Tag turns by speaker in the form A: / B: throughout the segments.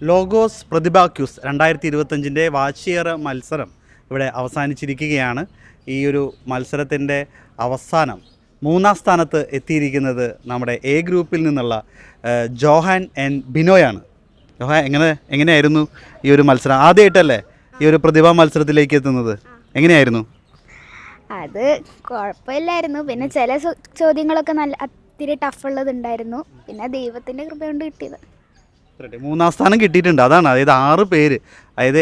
A: Logos പ്രതിഭ quiz 2025 വാർഷിക മത്സരം ഇവിടെ അവസാനിച്ചിരിക്കുകയാണ്. ഈ ഒരു മത്സരത്തിൻ്റെ അവസാനം 3-ാം സ്ഥാനത്ത് എത്തിയിരിക്കുന്നത് നമ്മുടെ എ ഗ്രൂപ്പിൽ നിന്നുള്ള ജോഹാൻ എൻ ബിനോയാണ്. ജോഹാൻ എങ്ങനെയായിരുന്നു ഈ ഒരു മത്സരം? ആദ്യമായിട്ടല്ലേ ഈ ഒരു പ്രതിഭാ മത്സരത്തിലേക്ക് എത്തുന്നത്? എങ്ങനെയായിരുന്നു?
B: അത് കുഴപ്പമില്ലായിരുന്നു. പിന്നെ ചില ചോദ്യങ്ങളൊക്കെ നല്ല ഇത്തിരി ടഫുള്ളതുണ്ടായിരുന്നു. പിന്നെ ദൈവത്തിൻ്റെ കൃപ കൊണ്ട് കിട്ടിയത്.
A: 3-ാം സ്ഥാനം കിട്ടിയിട്ടുണ്ട്. അതാണ്, അതായത് 6 പേര്, അതായത്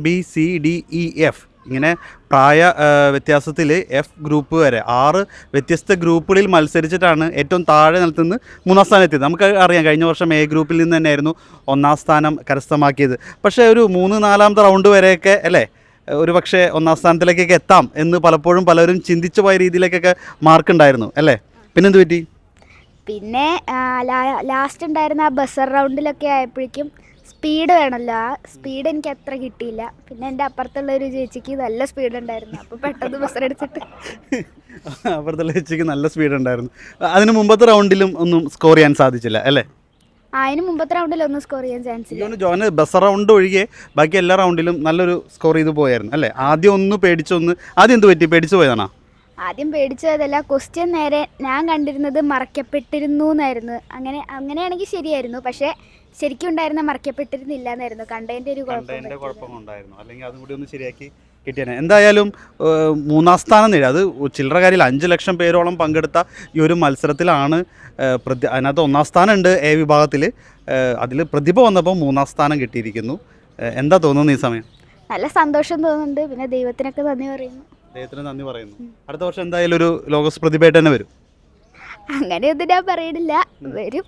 A: ABCDEF ഇങ്ങനെ പ്രായ വ്യത്യാസത്തിൽ എഫ് ഗ്രൂപ്പ് വരെ 6 വ്യത്യസ്ത ഗ്രൂപ്പുകളിൽ മത്സരിച്ചിട്ടാണ് ഏറ്റവും താഴെ നിലത്തുനിന്ന് 3-ാം സ്ഥാനം എത്തിയത്. നമുക്ക് അറിയാം, കഴിഞ്ഞ വർഷം എ ഗ്രൂപ്പിൽ നിന്ന് തന്നെയായിരുന്നു 1-ാം സ്ഥാനം കരസ്ഥമാക്കിയത്. പക്ഷേ ഒരു 3-4ാമത്തെ റൗണ്ട് വരെയൊക്കെ അല്ലേ ഒരു പക്ഷേ 1-ാം സ്ഥാനത്തിലേക്കൊക്കെ എത്താം എന്ന് പലപ്പോഴും പലരും ചിന്തിച്ചു പോയ രീതിയിലേക്കൊക്കെ മാർക്കുണ്ടായിരുന്നു അല്ലേ? പിന്നെന്ത് പറ്റി?
B: പിന്നെ ലാസ്റ്റ് ഉണ്ടായിരുന്ന ആ ബസർ റൗണ്ടിലൊക്കെ ആയപ്പോഴേക്കും സ്പീഡ് വേണമല്ലോ, ആ സ്പീഡ് എനിക്ക് അത്ര കിട്ടിയില്ല. പിന്നെ എൻ്റെ അപ്പുറത്തുള്ള ഒരു ചേച്ചിക്ക് നല്ല സ്പീഡ് ഉണ്ടായിരുന്നു. അപ്പോൾ പെട്ടെന്ന് ബസർ എടുത്തിട്ട്
A: അപ്പുറത്തുള്ള ചേച്ചിക്ക് നല്ല സ്പീഡ് ഉണ്ടായിരുന്നു. അതിന് മുമ്പത്തെ റൗണ്ടിലും ഒന്നും സ്കോർ ചെയ്യാൻ സാധിച്ചില്ല അല്ലേ?
B: അതിന് മുമ്പത്തെ റൗണ്ടിലൊന്നും സ്കോർ ചെയ്യാൻ ചാൻസ് ഇല്ല.
A: ജോന് ബസർ റൗണ്ട് ഒഴികെ ബാക്കി എല്ലാ റൗണ്ടിലും നല്ലൊരു സ്കോർ ചെയ്ത് പോയായിരുന്നു അല്ലേ? ആദ്യം ആദ്യം എന്ത് പറ്റി? പേടിച്ചു പോയതാണോ?
B: ആദ്യം പേടിച്ചതല്ല, ക്വസ്റ്റ്യൻ നേരെ ഞാൻ കണ്ടിരുന്നത് മറക്കപ്പെട്ടിരുന്നു എന്നായിരുന്നു. അങ്ങനെയാണെങ്കിൽ ശരിയായിരുന്നു. പക്ഷേ ശരിക്കും ഉണ്ടായിരുന്ന മറക്കപ്പെട്ടിരുന്നില്ല എന്നായിരുന്നു. കണ്ടതിൻ്റെ ഒരു
A: കുഴപ്പം ഉണ്ടായിരുന്നു. അല്ലെങ്കിൽ അതും കൂടി ഒന്ന് ശരിയാക്കി കിട്ടിയാണ്. എന്തായാലും 3-ാം സ്ഥാനം നേടി. അത് ചില്ലറ കാര്യമില്ല. 5 ലക്ഷം പേരോളം പങ്കെടുത്ത ഈ ഒരു മത്സരത്തിലാണ് അതിനകത്ത് 1-ാം സ്ഥാനം ഉണ്ട് എ വിഭാഗത്തിൽ. അതിൽ പ്രതിഭ വന്നപ്പോൾ 3-ാം സ്ഥാനം കിട്ടിയിരിക്കുന്നു. എന്താ തോന്നുന്നു ഈ സമയം?
B: നല്ല സന്തോഷം തോന്നുന്നുണ്ട്. പിന്നെ ദൈവത്തിനൊക്കെ നന്ദി പറയുന്നു.
A: ദൈവത്തിന് നന്ദി പറയുന്നു. അടുത്ത വർഷം എന്തായാലും ഒരു ലോഗോസ് പ്രതിഭയായിട്ട് തന്നെ വരും.
B: അങ്ങനെയൊന്നും ഞാൻ പറയണില്ല, വരും.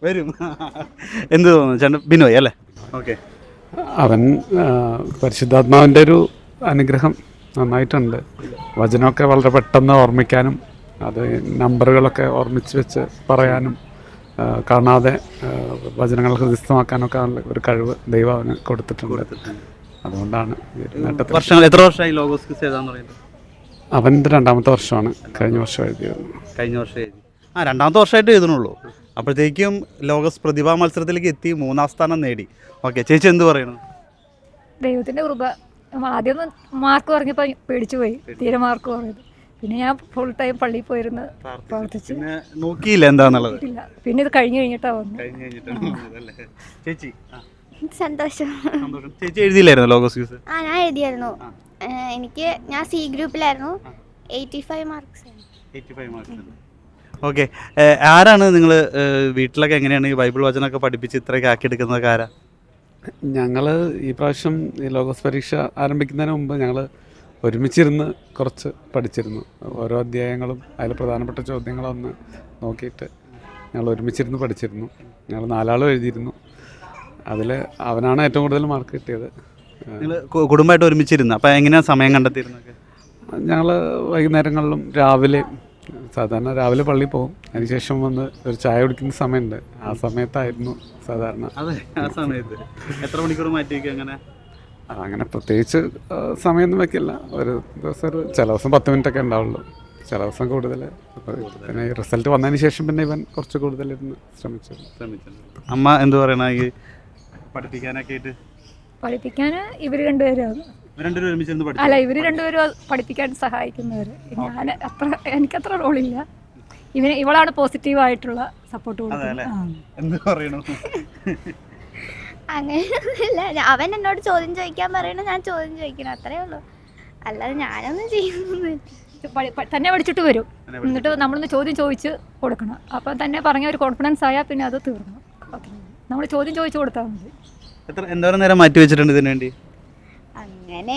A: എന്ത് തോന്നുന്നു ചേട്ടൻ? ബിനോയ് അല്ലേ? ഓക്കെ.
C: അവൻ പരിശുദ്ധാത്മാവിൻ്റെ ഒരു അനുഗ്രഹം നന്നായിട്ടുണ്ട്. വചനമൊക്കെ വളരെ പെട്ടെന്ന് ഓർമ്മിക്കാനും അത് നമ്പറുകളൊക്കെ ഓർമ്മിച്ച് വെച്ച് പറയാനും കാണാതെ വചനങ്ങൾ ഹൃദയസ്ഥമാക്കാനൊക്കെ ഒരു കഴിവ് ദൈവം അവന് കൊടുത്തിട്ടുണ്ട്. അതുകൊണ്ടാണ്
A: എത്ര വർഷമായി ലോഗോസ് ക്വിസ് എഴുതാന്ന് പറയുന്നത്?
C: അവൻ്റെ 2-ാമത്തെ വർഷമാണ്. കഴിഞ്ഞ വർഷം എഴുതിയത്.
A: ആ 2-ാമത്തെ വർഷമായിട്ട് എഴുതണുള്ളൂ. അപ്പോഴത്തേക്കും ലോഗോസ് പ്രതിഭാ മത്സരത്തിലേക്ക് എത്തി 3-ാം സ്ഥാനം നേടി. ഓക്കെ, ചേച്ചി എന്ത് പറയണു?
D: ദൈവത്തിൻ്റെ കൃപ. ആദ്യം മാർക്ക് പറഞ്ഞപ്പോൾ പേടിച്ചു പോയി, തീരെ മാർക്ക് പറഞ്ഞത്. പിന്നെ ഞാൻ ഫുൾ ടൈം പള്ളിയിൽ പോയിരുന്ന് പ്രവർത്തിച്ചു.
A: നോക്കിയില്ല എന്താന്നുള്ളത്.
D: പിന്നെ ഇത് കഴിഞ്ഞിട്ടാണ് വന്നത്.
A: ചേച്ചി
B: സന്തോഷം.
A: ചേച്ചി എഴുതിയില്ലായിരുന്നു ലോഗോസ് ക്വിസ്?
B: ഞാൻ എഴുതിയായിരുന്നു. ഞാൻ സി ഗ്രൂപ്പിലായിരുന്നു. 85 മാർക്സ്.
A: ഓക്കെ. ആരാണ് നിങ്ങൾ വീട്ടിലൊക്കെ എങ്ങനെയാണ് ഈ ബൈബിൾ വചനമൊക്കെ പഠിപ്പിച്ച് ഇത്രയൊക്കെ ആക്കിയെടുക്കുന്നതൊക്കെ ആരാ?
C: ഞങ്ങൾ ഈ പ്രാവശ്യം ഈ ലോഗോസ് പരീക്ഷ ആരംഭിക്കുന്നതിന് മുമ്പ് ഞങ്ങൾ ഒരുമിച്ചിരുന്ന് കുറച്ച് പഠിച്ചിരുന്നു. ഓരോ അധ്യായങ്ങളും അതിൽ പ്രധാനപ്പെട്ട ചോദ്യങ്ങളൊന്ന് നോക്കിയിട്ട് ഞങ്ങൾ ഒരുമിച്ചിരുന്ന് പഠിച്ചിരുന്നു. ഞങ്ങൾ 4 ആളും എഴുതിയിരുന്നു. അതിൽ അവനാണ് ഏറ്റവും കൂടുതൽ മാർക്ക് കിട്ടിയത്.
A: നിങ്ങൾ കുടുംബമായിട്ട് ഒരുമിച്ചിരുന്നു. അപ്പോൾ എങ്ങനെയാണ് സമയം കണ്ടെത്തിയിരുന്നത്?
C: ഞങ്ങൾ വൈകുന്നേരങ്ങളിലും സാധാരണ രാവിലെ പള്ളിയിൽ പോകും. അതിനുശേഷം വന്ന് ഒരു ചായ കുടിക്കുന്ന സമയമുണ്ട്. ആ സമയത്തായിരുന്നു സാധാരണ.
A: അതെ, ആ സമയത്ത് എത്ര മണിക്കൂർ മാറ്റി വയ്ക്കും?
C: അങ്ങനെ പ്രത്യേകിച്ച് സമയമൊന്നും വയ്ക്കില്ല. ഒരു ദിവസം ചില ദിവസം 10 മിനിറ്റൊക്കെ ഉണ്ടാവുള്ളൂ, ചില ദിവസം കൂടുതൽ. പിന്നെ ഈ റിസൾട്ട് വന്നതിന് ശേഷം പിന്നെ ഇവൻ കുറച്ച് കൂടുതലിരുന്ന് ശ്രമിച്ചു.
A: അമ്മ എന്ത് പറയണ ഈ പഠിപ്പിക്കാനൊക്കെ ആയിട്ട്?
D: പഠിപ്പിക്കാൻ ഇവർ രണ്ടുപേരും അല്ല, ഇവർ രണ്ടുപേരും പഠിപ്പിക്കാൻ സഹായിക്കുന്നവർ. എനിക്കത്ര റോളില്ല. ഇവളാണ് പോസിറ്റീവായിട്ടുള്ള സപ്പോർട്ട് കൊടുക്കുന്നത്.
B: അങ്ങനെയൊന്നുമില്ല. അവൻ എന്നോട് ചോദ്യം ചോദിക്കാൻ പറയണ, ഞാൻ ചോദ്യം ചോദിക്കണം, അത്രേ ഉള്ളൂ. അല്ലാതെ ഞാനൊന്നും ചെയ്യുന്നില്ല.
D: തന്നെ പഠിച്ചിട്ട് വരും. എന്നിട്ട് നമ്മളൊന്ന് ചോദ്യം ചോദിച്ച് കൊടുക്കണം. അപ്പം തന്നെ പറഞ്ഞ ഒരു കോൺഫിഡൻസ് ആയാൽ പിന്നെ അത് തീർന്നു. ഓക്കെ, നമ്മൾ ചോദ്യം ചോദിച്ചു കൊടുത്താൽ മതി.
A: എന്തോരം നേരം മാറ്റി വെച്ചിട്ടുണ്ട് ഇതിനു വേണ്ടി?
B: അങ്ങനെ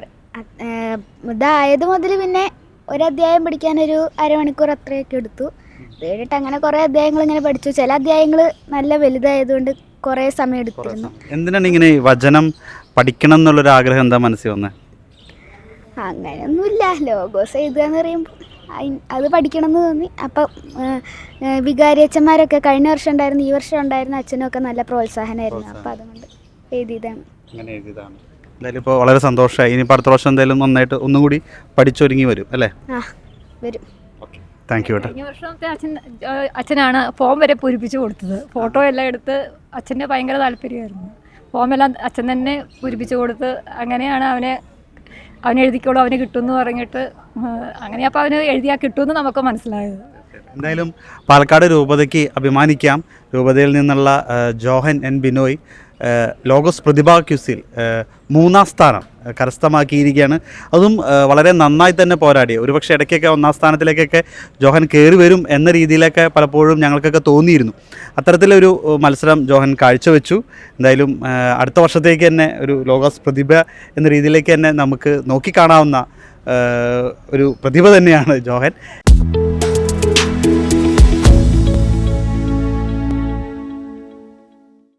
B: ഇതായത് മുതൽ പിന്നെ ഒരു അധ്യായം പഠിക്കാനൊരു അരമണിക്കൂർ അത്രയൊക്കെ എടുത്തു. അത് കഴിഞ്ഞിട്ട് അങ്ങനെ കുറേ അധ്യായങ്ങൾ ഇങ്ങനെ പഠിച്ചു. ചില അധ്യായങ്ങൾ നല്ല വലുതായതുകൊണ്ട് കുറേ സമയം എടുത്തിരുന്നു.
A: എന്തിനാണ് ഇങ്ങനെ വചനം പഠിക്കണം എന്നുള്ളൊരു ആഗ്രഹം എന്താ മനസ്സിൽ വന്നത്?
B: അങ്ങനെയൊന്നുമില്ല. ലോഗോസ് എഴുതുക എന്ന് പറയുമ്പോൾ അത് പഠിക്കണം എന്ന് തോന്നി. അപ്പം വികാരി അച്ഛന്മാരൊക്കെ കഴിഞ്ഞ വർഷം ഉണ്ടായിരുന്നു, ഈ വർഷം ഉണ്ടായിരുന്ന അച്ഛനൊക്കെ നല്ല പ്രോത്സാഹനമായിരുന്നു. അപ്പം അതുകൊണ്ട് എഴുതിയതാണ്.
A: എന്തായാലും ഇപ്പോൾ വളരെ സന്തോഷമായി. ഇനി അടുത്ത വർഷം എന്തായാലും നന്നായിട്ട് ഒന്നുകൂടി പഠിച്ചൊരുങ്ങി വരും അല്ലേ?
B: വരും.
A: Thank you.
D: കഴിഞ്ഞ വർഷത്തെ അച്ഛനാണ് ഫോം വരെ പൂരിപ്പിച്ചു കൊടുത്തത്. ഫോട്ടോ എല്ലാം എടുത്ത് അച്ഛൻ്റെ ഭയങ്കര താല്പര്യമായിരുന്നു. ഫോമെല്ലാം അച്ഛൻ തന്നെ പൂരിപ്പിച്ച് കൊടുത്ത് അങ്ങനെയാണ് അവൻ എഴുതിക്കോളൂ അവന് കിട്ടുമെന്ന് പറഞ്ഞിട്ട് അങ്ങനെ അപ്പോൾ അവന് എഴുതിയാൽ കിട്ടുമെന്ന് നമുക്ക് മനസ്സിലായത്.
A: എന്തായാലും പാലക്കാട് രൂപതയ്ക്ക് അഭിമാനിക്കാം. രൂപതയിൽ നിന്നുള്ള ജോഹൻ എൻ ബിനോയ് ലോഗോസ് പ്രതിഭാ ക്യൂസിൽ 3ാം സ്ഥാനം കരസ്ഥമാക്കിയിരിക്കുകയാണ്. അതും വളരെ നന്നായി തന്നെ പോരാടി. ഒരുപക്ഷെ ഇടയ്ക്കൊക്കെ 1ാം സ്ഥാനത്തിലേക്കൊക്കെ ജോഹൻ കയറി വരും എന്ന രീതിയിലൊക്കെ പലപ്പോഴും ഞങ്ങൾക്കൊക്കെ തോന്നിയിരുന്നു. അത്തരത്തിലൊരു മത്സരം ജോഹൻ കാഴ്ചവെച്ചു. എന്തായാലും അടുത്ത വർഷത്തേക്ക് തന്നെ ഒരു ലോഗോസ് പ്രതിഭ എന്ന രീതിയിലേക്ക് തന്നെ നമുക്ക് നോക്കിക്കാണാവുന്ന ഒരു പ്രതിഭ തന്നെയാണ് ജോഹൻ.